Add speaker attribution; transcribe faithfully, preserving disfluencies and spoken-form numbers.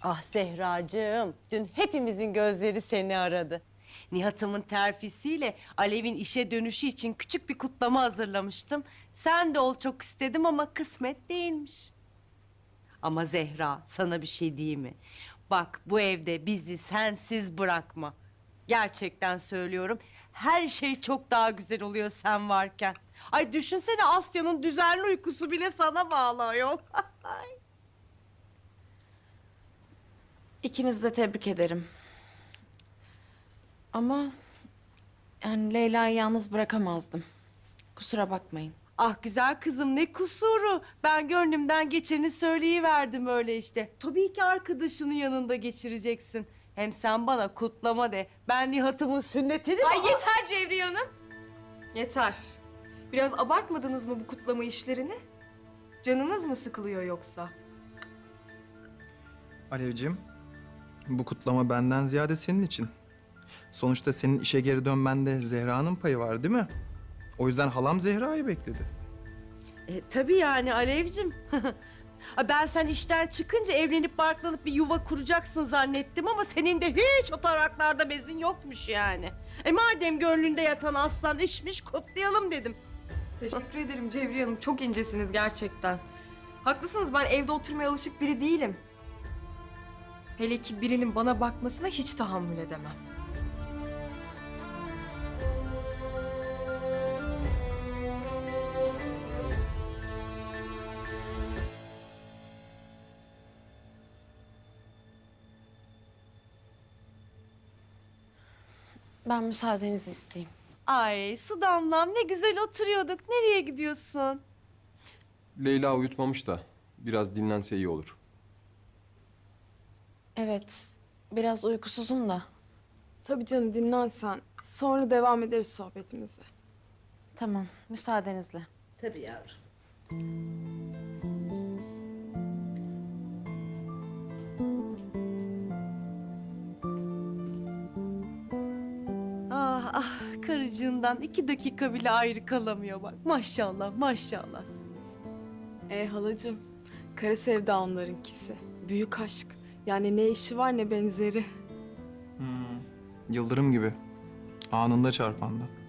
Speaker 1: Ah Zehracığım, dün hepimizin gözleri seni aradı. Nihat'ımın terfisiyle Alev'in işe dönüşü için küçük bir kutlama hazırlamıştım. Sen de ol çok istedim ama kısmet değilmiş. Ama Zehra, sana bir şey diyeyim mi? Bak bu evde bizi sensiz bırakma. Gerçekten söylüyorum. Her şey çok daha güzel oluyor sen varken. Ay düşünsene Asya'nın düzenli uykusu bile sana bağlı ayol.
Speaker 2: İkinizi de tebrik ederim. Ama yani Leyla'yı yalnız bırakamazdım. Kusura bakmayın.
Speaker 1: Ah güzel kızım ne kusuru. Ben gönlümden geçeni söyleyiverdim öyle işte. Tabii ki arkadaşının yanında geçireceksin. Hem sen bana kutlama de. Ben Nihat'ımın sünnetini...
Speaker 3: Ay yeter Cevriye Hanım. Yeter. Biraz abartmadınız mı bu kutlama işlerini? Canınız mı sıkılıyor yoksa?
Speaker 4: Alevciğim, bu kutlama benden ziyade senin için. Sonuçta senin işe geri dönmende Zehra'nın payı var değil mi? O yüzden halam Zehra'yı bekledi.
Speaker 1: E, tabii yani Alevcim. Ay, ben sen işten çıkınca evlenip barklanıp bir yuva kuracaksın zannettim ama senin de hiç o taraklarda bezin yokmuş yani. E madem gönlünde yatan aslan işmiş kutlayalım dedim.
Speaker 3: Teşekkür ederim Cevriye Hanım. Çok incesiniz gerçekten. Haklısınız, ben evde oturmaya alışık biri değilim. Hele ki birinin bana bakmasına hiç tahammül edemem.
Speaker 2: Ben müsaadenizi isteyeyim.
Speaker 1: Ay su damlam ne güzel oturuyorduk. Nereye gidiyorsun?
Speaker 5: Leyla uyutmamış da biraz dinlense iyi olur.
Speaker 2: Evet, biraz uykusuzum da.
Speaker 6: Tabii canım dinlen sen. Sonra devam ederiz sohbetimize.
Speaker 2: Tamam, müsaadenizle.
Speaker 1: Tabii yavrum. Ah ah karıcığından iki dakika bile ayrı kalamıyor bak. Maşallah maşallah.
Speaker 6: E halacığım, kara sevda onlarınkisi. Büyük aşk. Yani ne işi var ne benzeri.
Speaker 4: Yıldırım gibi. Anında çarpanda.